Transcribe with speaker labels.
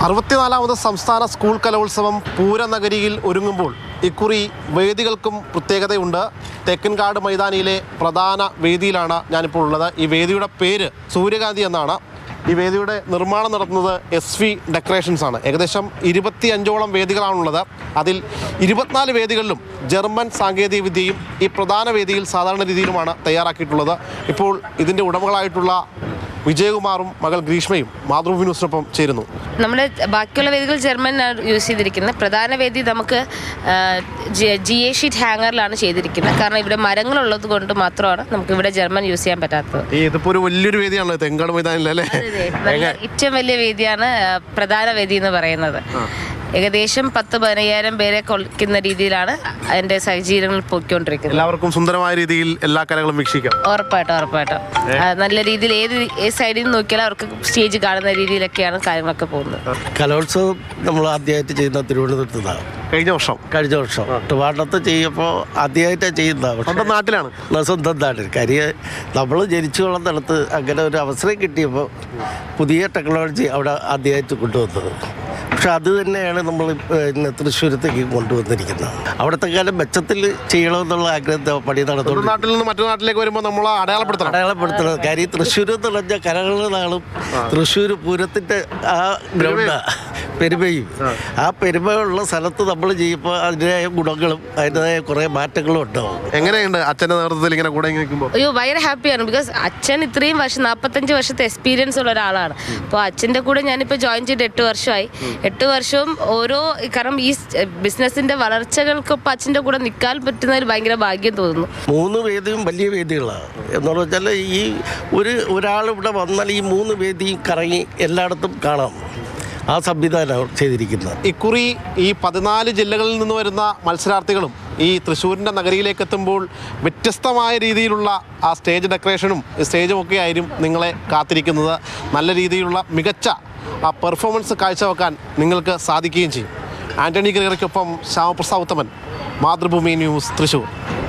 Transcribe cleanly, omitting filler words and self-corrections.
Speaker 1: 64ാമത് സംസ്ഥാന സ്കൂൾ കലോത്സവം പൂരനഗരിയിൽ ഒരുങ്ങുമ്പോൾ ഇക്കുറി വേദികൾക്കും പ്രത്യേകതയുണ്ട്. തെക്കൻകാട് മൈതാനിയിലെ പ്രധാന വേദിയിലാണ് ഞാനിപ്പോൾ ഉള്ളത്. ഈ വേദിയുടെ പേര് സൂര്യകാന്തി എന്നാണ്. ഈ വേദിയുടെ നിർമ്മാണം നടത്തുന്നത് SV ഡെക്കറേഷൻസ് ആണ്. ഏകദേശം 25ഓളം വേദികളാണുള്ളത്. അതിൽ 24 വേദികളിലും ജർമ്മൻ സാങ്കേതിക വിദ്യയും ഈ പ്രധാന വേദിയിൽ സാധാരണ രീതിയിലുമാണ് തയ്യാറാക്കിയിട്ടുള്ളത്. ഇപ്പോൾ ഇതിൻ്റെ ഉടമകളായിട്ടുള്ള വിജയകുമാറും മകൾ ഗ്രീഷ്മയും മാതൃഭൂമി ന്യൂസിനൊപ്പം ചേരുന്നു.
Speaker 2: നമ്മുടെ ബാക്കിയുള്ള വേദികൾ ജർമ്മനാണ് യൂസ് ചെയ്തിരിക്കുന്നത്. പ്രധാന വേദി നമുക്ക് GA ഷീറ്റ് ഹാങ്ങറിലാണ് ചെയ്തിരിക്കുന്നത്. കാരണം ഇവിടെ മരങ്ങളുള്ളത് കൊണ്ട് മാത്രമാണ് നമുക്ക് ഇവിടെ ജർമ്മൻ യൂസ് ചെയ്യാൻ പറ്റാത്തത്.
Speaker 1: ഇതിപ്പോൾ ഒരു വലിയൊരു വേദിയാണല്ലോ തെങ്കാട് മൈതാനിലല്ലേ?
Speaker 2: ഏറ്റവും വലിയ വേദിയാണ് പ്രധാന വേദി എന്ന് പറയുന്നത്. ഏകദേശം 10-15,000 പേരെ കൊള്ളിക്കുന്ന രീതിയിലാണ് അതിന്റെ സജ്ജീകരണങ്ങൾ പോയിക്കൊണ്ടിരിക്കുന്നത്.
Speaker 1: എല്ലാവർക്കും സുന്ദരമായ രീതിയിൽ എല്ലാ കലകളും വീക്ഷിക്കാം.
Speaker 2: ഉറപ്പായിട്ടും നല്ല രീതിയിൽ ഏത് സൈഡിൽ നിന്ന് നോക്കിയാലും അവർക്ക് സ്റ്റേജ് കാണുന്ന രീതിയിലൊക്കെയാണ് കാര്യങ്ങളൊക്കെ പോകുന്നത്.
Speaker 3: കലോത്സവം നമ്മൾ ആദ്യമായിട്ട് ചെയ്യുന്ന തിരുവനന്തപുരത്താണ്. കഴിഞ്ഞ വർഷം ട്രിവാൻഡ്രത്ത് ചെയ്യുമ്പോൾ ആദ്യമായിട്ടാണ് ചെയ്യുന്നത്.
Speaker 1: സ്വന്തം നാട്ടിലാണ്,
Speaker 3: സ്വന്തം നാട്ടിൽ. കാര്യം നമ്മൾ ജനിച്ചു വളർന്നിടത്ത് അങ്ങനെ ഒരു അവസരം കിട്ടിയപ്പോൾ പുതിയ ടെക്നോളജി അവിടെ ആദ്യമായിട്ട് കൊണ്ടുവന്നത്. പക്ഷെ അത് തന്നെയാണ് നമ്മൾ ഇന്ന് തൃശ്ശൂരത്തേക്ക് കൊണ്ടുവന്നിരിക്കുന്നത്. അവിടുത്തെ കാലം മെച്ചത്തിൽ ചെയ്യണമെന്നുള്ള ആഗ്രഹം പണി നടത്തുന്നു.
Speaker 1: നാട്ടിൽ നിന്ന് മറ്റു നാട്ടിലേക്ക് വരുമ്പോൾ നമ്മൾ
Speaker 3: അടയാളപ്പെടുത്തണം. കാര്യം തൃശ്ശൂർ എന്ന് പറഞ്ഞാൽ കലകളുടെ നാളും തൃശ്ശൂർ പൂരത്തിൻ്റെ ആ ഗ്രൗണ്ടാണ് പെരുമയും. ആ പെരുമയുള്ള സ്ഥലത്ത് നമ്മൾ ചെയ്യുമ്പോൾ അതിൻ്റെതായ ഗുണങ്ങളും അതിൻ്റെതായ കുറേ മാറ്റങ്ങളും ഉണ്ടാവും.
Speaker 1: എങ്ങനെയുണ്ട് അച്ഛൻ്റെ നേതൃത്വത്തിൽ ഇങ്ങനെ കൂടെ നിൽക്കുമ്പോൾ?
Speaker 2: അയ്യോ, ഭയങ്കര ഹാപ്പിയാണ്. ബിക്കോസ് അച്ഛൻ ഇത്രയും വർഷം 45 വർഷത്തെ എക്സ്പീരിയൻസ് ഉള്ള ഒരാളാണ്. അപ്പോൾ അച്ഛൻ്റെ കൂടെ ഞാനിപ്പോൾ ജോയിൻ ചെയ്ത് 8 വർഷമായി. 8 വർഷവും ഓരോ കാരണം ഈ ബിസിനസ്സിൻ്റെ വളർച്ചകൾക്കൊപ്പം അച്ഛൻ്റെ കൂടെ നിൽക്കാൻ പറ്റുന്നതിൽ ഭയങ്കര ഭാഗ്യം തോന്നുന്നു.
Speaker 3: 3 വേദിയും വലിയ വേദികളാണ്. എന്ന് വെച്ചാൽ ഈ ഒരാളിവിടെ വന്നാൽ ഈ 3 വേദിയും കറങ്ങി എല്ലായിടത്തും കാണാം. ആ സംവിധാനം ചെയ്തിരിക്കുന്നത്.
Speaker 1: ഇക്കുറി ഈ 14 ജില്ലകളിൽ നിന്ന് വരുന്ന മത്സരാർത്ഥികളും ഈ തൃശ്ശൂരിൻ്റെ നഗരിയിലേക്ക് എത്തുമ്പോൾ വ്യത്യസ്തമായ രീതിയിലുള്ള ആ സ്റ്റേജ് ഡെക്കറേഷനും സ്റ്റേജും ഒക്കെ ആയിരിക്കും നിങ്ങളെ കാത്തിരിക്കുന്നത്. നല്ല രീതിയിലുള്ള മികച്ച ആ പെർഫോമൻസ് കാഴ്ചവെക്കാൻ നിങ്ങൾക്ക് സാധിക്കുകയും ചെയ്യും. ആൻ്റണി ഗ്രഗറിക്കൊപ്പം ശ്യാമപ്രസാദ് ഉത്തമൻ, മാതൃഭൂമി ന്യൂസ്, തൃശ്ശൂർ.